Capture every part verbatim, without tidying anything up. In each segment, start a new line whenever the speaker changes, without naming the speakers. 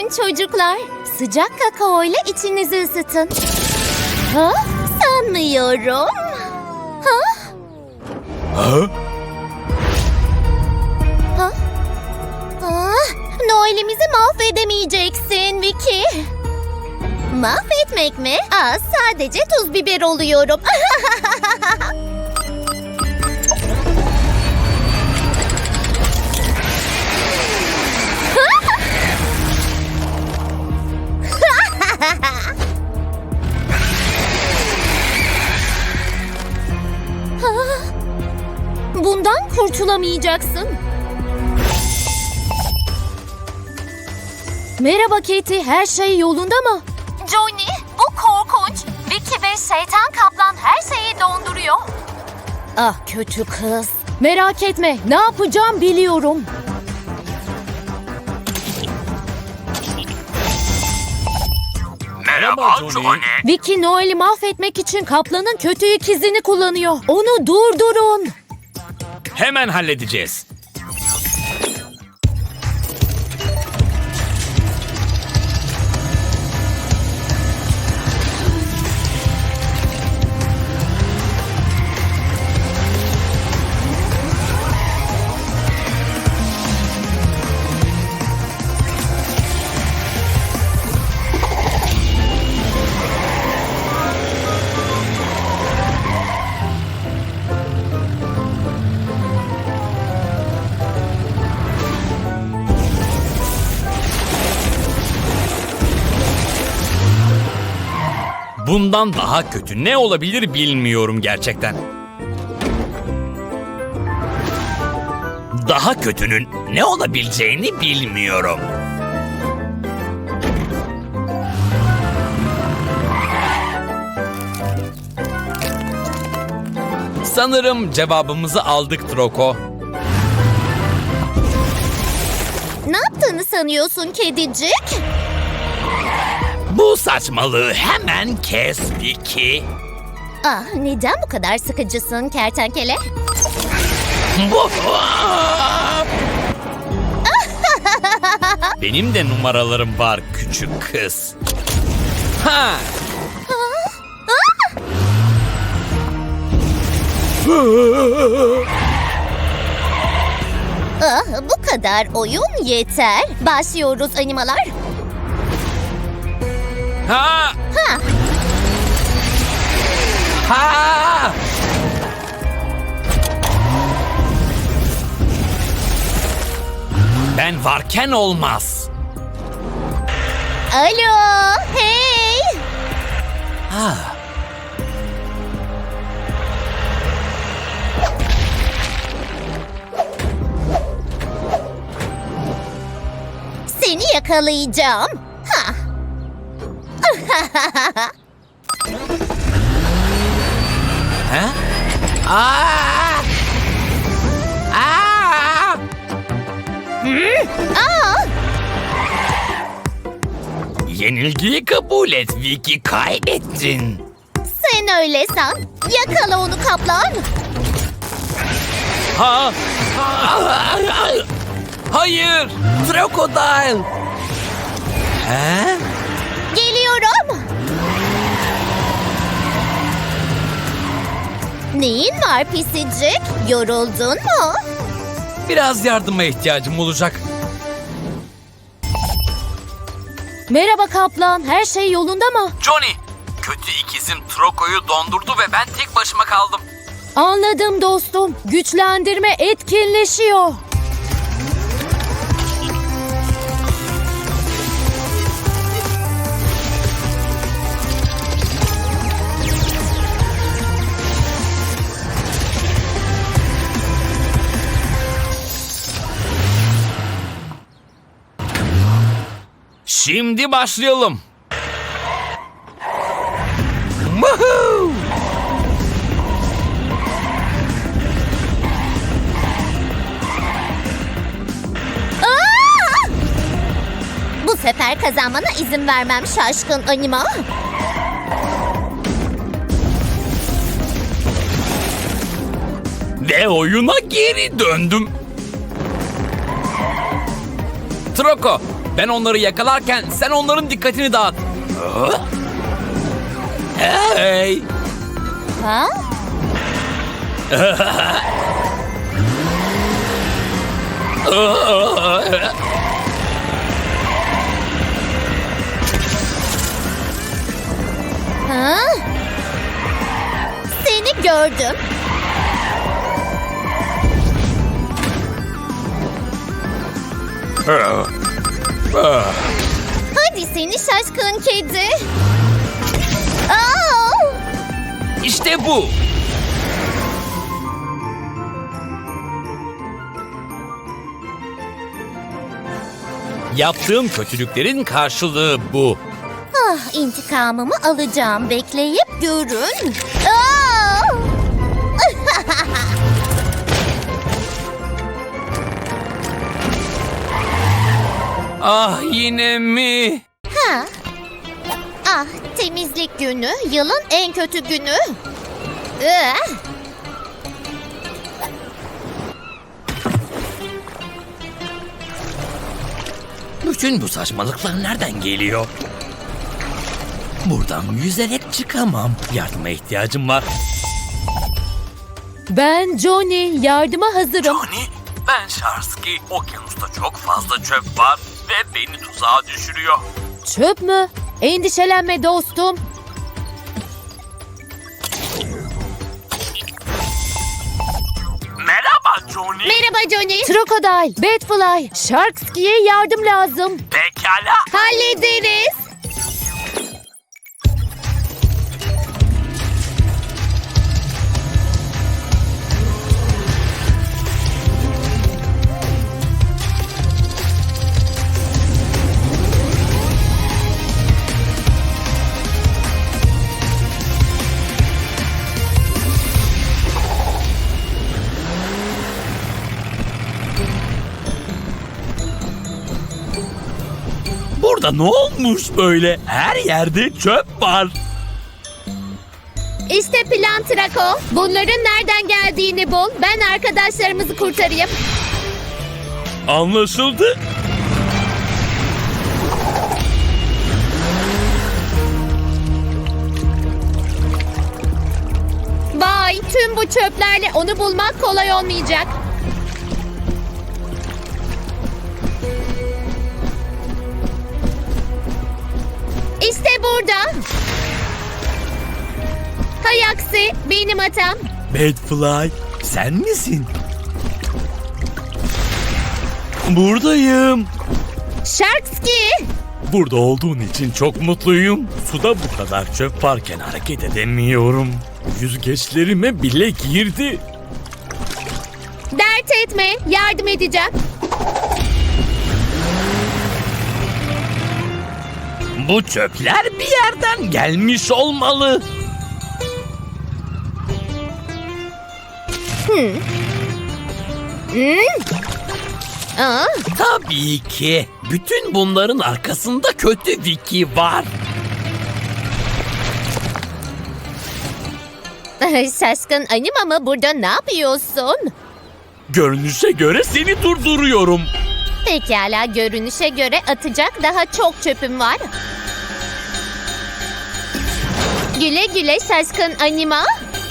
Buyurun çocuklar. Sıcak kakao ile içinizi ısıtın. Ha? Sanmıyorum. Ha?
Ha?
Ha? Ah, Noel'imizi mahvedemeyeceksin Vicky. Mahvetmek mi? Aa, sadece tuz biber oluyorum. Bundan kurtulamayacaksın. Merhaba Katie, her şey yolunda mı?
Johnny, bu korkunç. Vicky ve şeytan kaplan her şeyi donduruyor.
Ah kötü kız. Merak etme, ne yapacağım biliyorum.
Merhaba Johnny.
Vicky Noel'i mahvetmek için kaplanın kötü ikizini kullanıyor. Onu durdurun.
Hemen halledeceğiz. Bundan daha kötü ne olabilir bilmiyorum gerçekten. Daha kötünün ne olabileceğini bilmiyorum. Sanırım cevabımızı aldık Troko.
Ne yaptığını sanıyorsun kedicik?
Bu saçmalığı hemen kes Vicky.
Ah, neden bu kadar sıkıcısın kertenkele?
Bu- Benim de numaralarım var küçük kız. Ha!
Ah, bu kadar oyun yeter. Başlıyoruz animalar.
Ha!
Ha.
Ha! Ben varken olmaz.
Alo, hey!
Ha.
Seni yakalayacağım. Ha.
Ha? Aa! Aa!
Aa,
Yenilgiyi kabul et Vicky, kaybettin.
sen öyle san. Yakala onu kaplan.
Ha? Hayır! Crocodile! He?
Geliyorum. Neyin var pisicik? Yoruldun mu?
Biraz yardıma ihtiyacım olacak.
Merhaba kaplan, her şey yolunda mı?
Johnny, kötü ikizim Troko'yu dondurdu ve ben tek başıma kaldım.
Anladım dostum. Güçlendirme etkinleşiyor.
Şimdi başlayalım. Woohoo!
Aa! Bu sefer kazanmana izin vermem şaşkın anima.
Ve oyuna geri döndüm. Troko, Ben onları yakalarken sen onların dikkatini dağıt. Hey!
Ha? Ha? Seni gördüm. Hadi seni şaşkın kedi. Aa!
İşte bu. Yaptığım kötülüklerin karşılığı bu.
Ah, intikamımı alacağım. Bekleyip görün. Aa!
Ah, yine mi?
Ha. Ah, temizlik günü, yılın en kötü günü. Ee,
Bütün bu saçmalıklar nereden geliyor? Buradan yüzerek çıkamam. Yardıma ihtiyacım var.
Ben Johnny, yardıma hazırım.
Johnny, ben Sharsky. Okyanusta çok fazla çöp var ve beni tuzağa düşürüyor.
Çöp mü? Endişelenme dostum.
Merhaba Johnny.
merhaba Johnny.
Crocodile, Batfly, Sharksky'ye yardım lazım.
Pekala.
Hallederiz.
Burada ne olmuş böyle? Her yerde çöp var.
İşte plan Trako. Bunların nereden geldiğini bul. Ben arkadaşlarımızı kurtarayım.
Anlaşıldı.
Vay, tüm bu çöplerle onu bulmak kolay olmayacak. İşte burada. Hay aksi, benim hatam.
Batfly, sen misin? Buradayım.
Sharksky.
Burada olduğun için çok mutluyum. Suda bu kadar çöp varken hareket edemiyorum. Yüzgeçlerime bile girdi.
Dert etme, yardım edeceğim.
Bu çöpler bir yerden gelmiş olmalı.
Aa,
Tabii ki. Bütün bunların arkasında kötü Vicky var.
şaşkın anima mı? Burada ne yapıyorsun?
Görünüşe göre seni durduruyorum.
Pekala, görünüşe göre atacak daha çok çöpüm var. Güle güle şaşkın anima.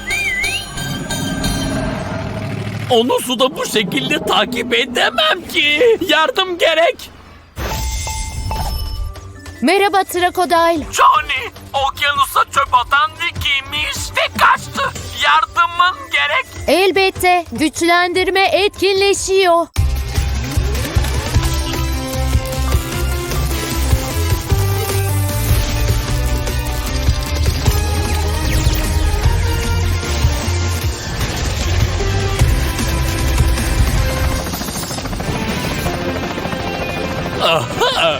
Onu suda bu şekilde takip edemem ki. Yardım gerek.
Merhaba Crocodile.
Johnny, okyanusa çöp atan Vicky'miş ve kaçtı. Yardımın gerek.
Elbette, güçlendirme etkinleşiyor.
Aha.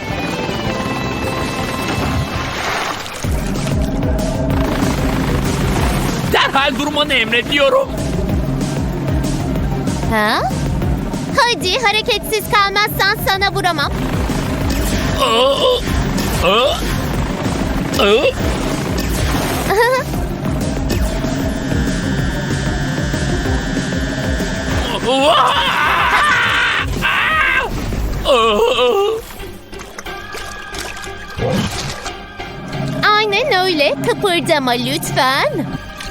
Derhal durmanı emrediyorum.
Ha? Hadi, hareketsiz kalmazsan sana vuramam.
Aa, aa, aa. Aa! Aa!
kıpırdama lütfen.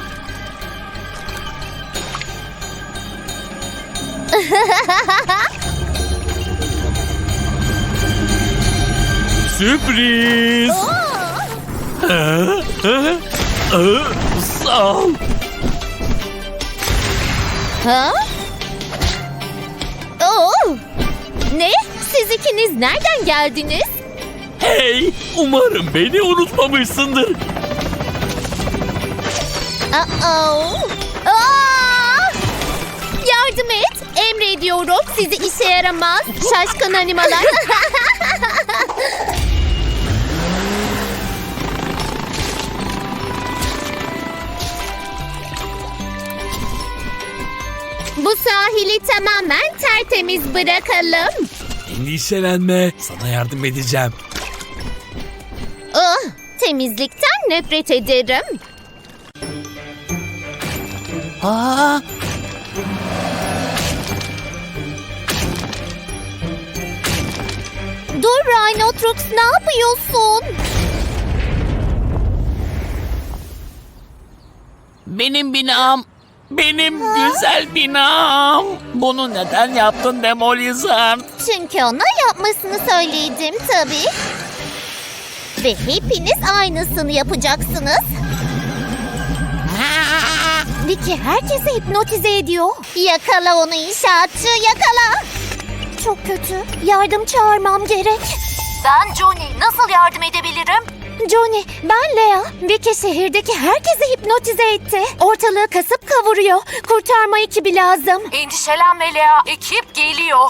Sürpriz. Ha, ha, ha, Sağ ol.
Ha? Oo! Ne? Siz ikiniz nereden geldiniz?
Hey, umarım beni unutmamışsındır.
Uh-oh. Aa! Yardım et. Emrediyorum. Sizi işe yaramaz. Şaşkın animalar. Bu sahili tamamen tertemiz bırakalım.
Endişelenme, sana yardım edeceğim.
Oh, temizlikten nefret ederim.
Aa,
Dur Rhinotrux, ne yapıyorsun?
Benim binam. Benim güzel binam. Bunu neden yaptın Demolizard?
Çünkü ona yapmasını söyledim tabii. Ve hepiniz aynısını yapacaksınız. Vicky herkesi hipnotize ediyor. Yakala onu inşaatçı, yakala. Çok kötü. Yardım çağırmam gerek.
Ben Johnny. Nasıl yardım edebilirim?
Johnny, ben Lea. Vicky şehirdeki herkesi hipnotize etti. Ortalığı kasıp kavuruyor. Kurtarma ekibi lazım.
Endişelenme Lea. Ekip geliyor.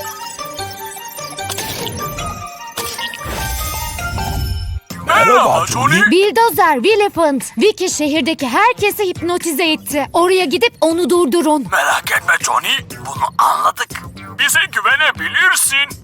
merhaba Johnny.
Bildozer, Willifant. Vicky şehirdeki herkesi hipnotize etti. Oraya gidip onu durdurun.
Merak etme Johnny, bunu anladık. Bize güvenebilirsin.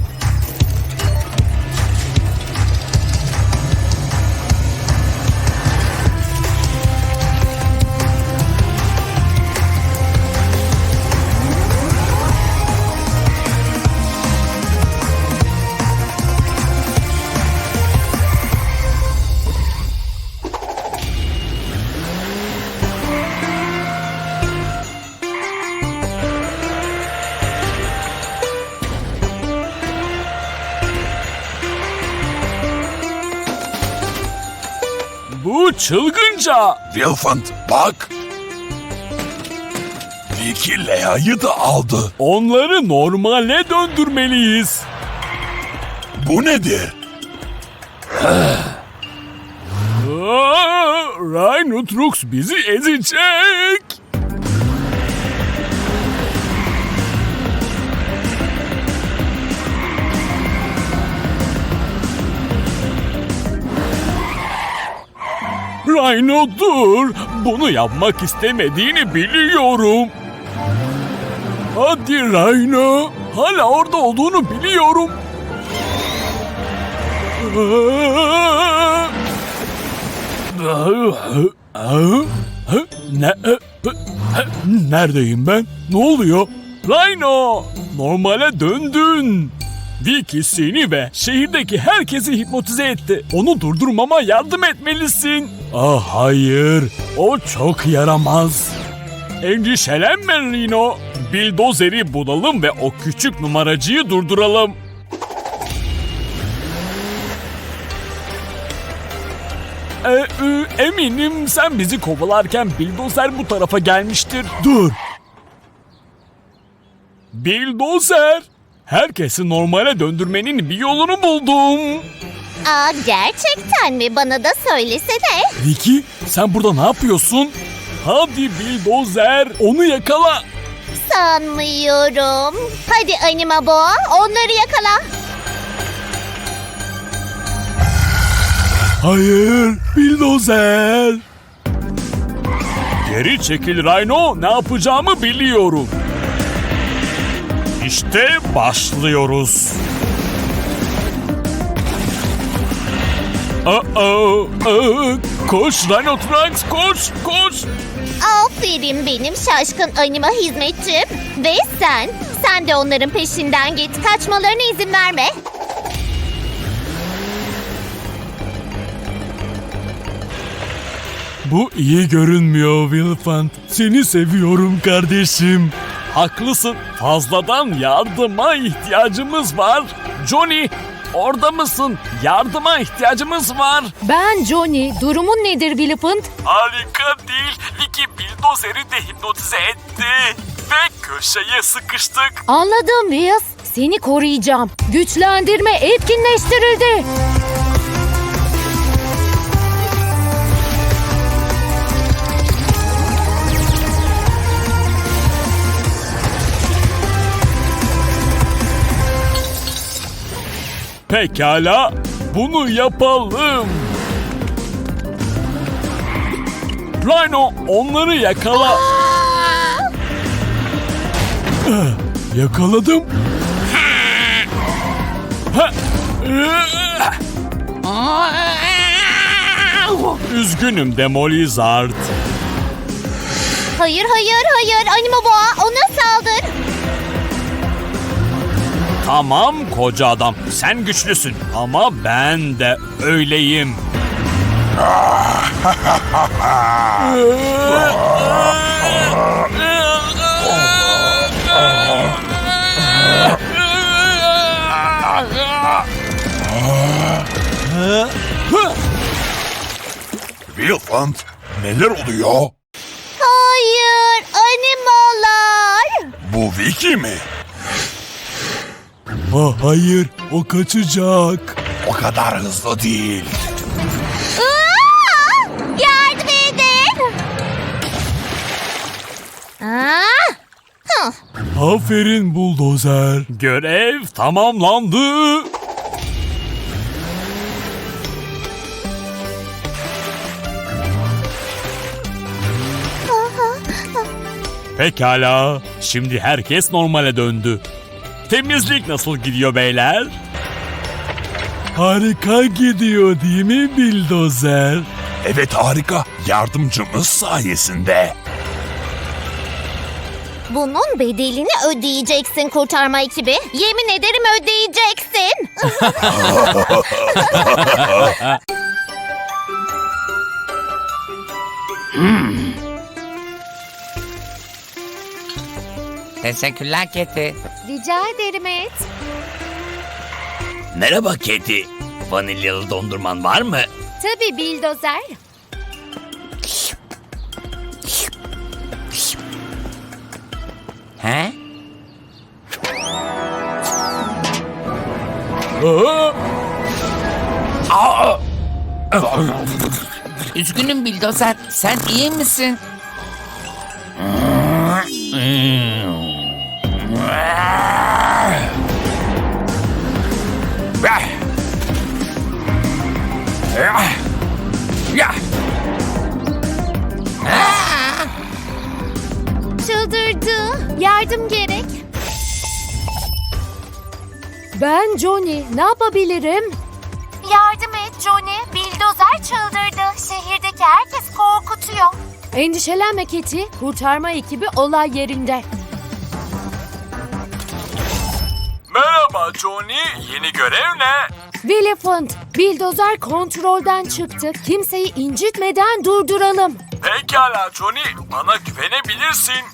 Bu çılgınca.
Wilfant bak. Vicky Lea'yı da aldı.
Onları normale döndürmeliyiz.
Bu nedir?
Aa, Rhinotrux bizi ezecek. Rhino dur. Bunu yapmak istemediğini biliyorum. Hadi Rhino. Hala orada olduğunu biliyorum. Ne? Neredeyim ben? Ne oluyor? Rhino! Normale döndün. Vicky seni ve şehirdeki herkesi hipnotize etti. Onu durdurmama yardım etmelisin. Ah hayır. O çok yaramaz. Endişelenme Rhino. Bildozeri bulalım ve o küçük numaracıyı durduralım. Ee, e, eminim sen bizi kovalarken Bildozer bu tarafa gelmiştir. Dur. Bildozer. Herkesi normale döndürmenin bir yolunu buldum.
Aa, gerçekten mi? Bana da söylesene.
Vicky, sen burada ne yapıyorsun? Hadi Bildozer, onu yakala.
Sanmıyorum. Hadi Anima Boğa, onları yakala.
Hayır, Bildozer. Geri çekil Rhino, ne yapacağımı biliyorum. İşte başlıyoruz. Uh-oh, uh, koş Rhinotrax, koş, koş.
Aferin benim şaşkın anima hizmetçim. Ve sen, sen de onların peşinden git. Kaçmalarına izin verme.
Bu iyi görünmüyor Wilfant. Seni seviyorum kardeşim. Haklısın. Fazladan yardıma ihtiyacımız var. Johnny, orada mısın? Yardıma ihtiyacımız var.
Ben Johnny. Durumun nedir Wilfant?
Harika değil. Vicky Bildozer'i de hipnotize etti. Ve köşeye sıkıştık.
Anladım Wills. Seni koruyacağım. Güçlendirme etkinleştirildi.
Pekala, bunu yapalım. Rhino, onları yakala. Ah, yakaladım. Ha. Üzgünüm Demolizard.
Hayır hayır hayır Anima Boğa ona saldır.
Tamam koca adam, sen güçlüsün ama ben de öyleyim.
Wilfant, neler oluyor?
Hayır animalar.
Bu Vicky mi?
Ha, hayır, o kaçacak.
O kadar hızlı değil.
Aa! Yardım edin. Aa! Hıh.
Aferin buldozer. Görev tamamlandı. Pekala. Şimdi herkes normale döndü. Temizlik nasıl gidiyor beyler? Harika gidiyor değil mi Bildozer?
Evet harika. Yardımcımız sayesinde.
Bunun bedelini ödeyeceksin kurtarma ekibi. Yemin ederim ödeyeceksin.
Teşekkürler Keti.
Rica ederim et.
Merhaba Keti. Vanilyalı dondurman var mı?
Tabii Bildozer.
He?
Aa!
Üzgünüm Bildozer. Sen iyi misin?
Çıldırdı. Yardım gerek.
Ben Johnny. Ne yapabilirim?
Yardım et Johnny. Bildozer çıldırdı. Şehirdeki herkes korkutuyor.
Endişelenme Keti. Kurtarma ekibi olay yerinde.
Merhaba Johnny. Yeni görev ne?
Wilfant, Bildozer kontrolden çıktı. Kimseyi incitmeden durduralım.
Pekala Johnny. Bana güvenebilirsin.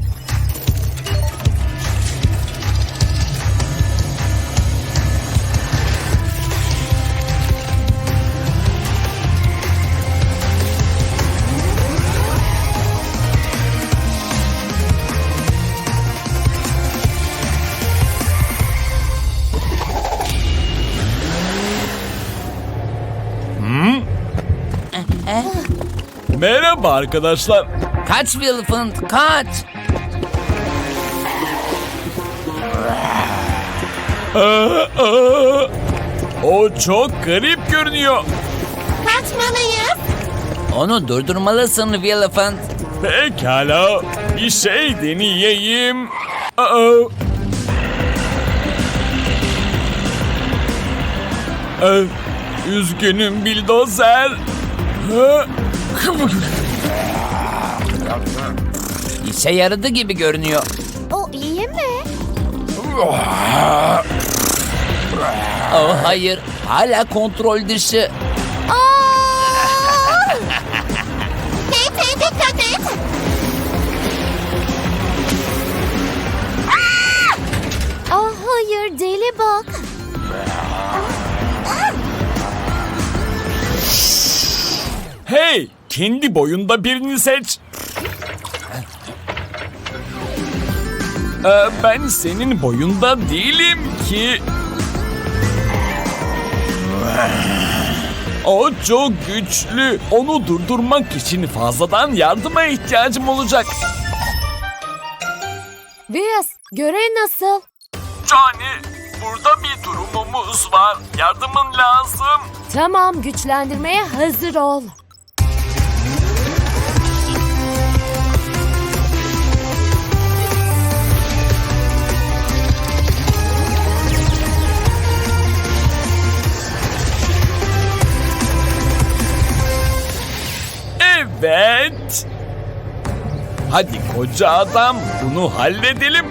Merhaba arkadaşlar.
Kaç Wilfant, kaç.
Aa, aa. O çok garip görünüyor.
Kaçmalıyız.
Onu durdurmalısın Wilfant.
Pekala. Bir şey deneyeyim. Aa. Aa, üzgünüm Bildozer. Ha?
İşe yaradı gibi görünüyor.
O iyi mi?
Oh hayır, hala kontrol dışı.
Aa! hale bak.
Hey, kendi boyunda birini seç. Ee, ben senin boyunda değilim ki. O çok güçlü. Onu durdurmak için fazladan yardıma ihtiyacım olacak.
Vias, görev nasıl?
Johnny, burada bir durumumuz var. Yardımın lazım.
Tamam, güçlendirmeye hazır ol.
Evet. Hadi koca adam, bunu halledelim.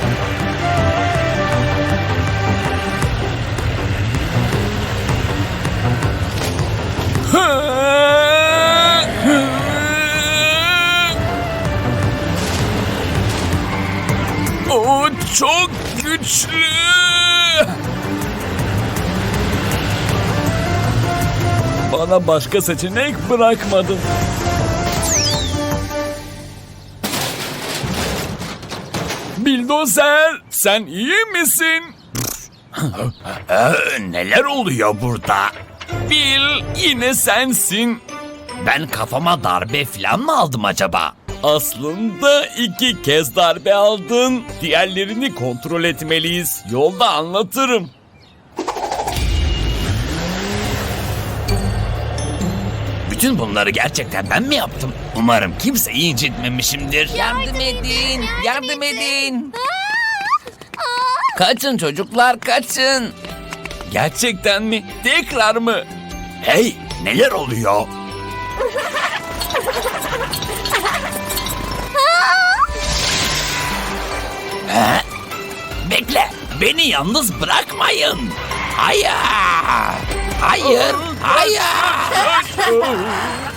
O çok güçlü. Bana başka seçenek bırakmadın. Bildozer, sen iyi misin?
Ee, neler oluyor burada?
Bil, yine sensin.
Ben kafama darbe falan mı aldım acaba?
Aslında iki kez darbe aldın. Diğerlerini kontrol etmeliyiz. Yolda anlatırım.
Bütün bunları gerçekten ben mi yaptım? Umarım kimseyi incitmemişimdir.
Yardım edin, yardım edin. Kaçın çocuklar, kaçın.
Gerçekten mi? Tekrar mı?
Hey, neler oluyor? Ha? Bekle, beni yalnız bırakmayın. Hayır, hayır, hayır.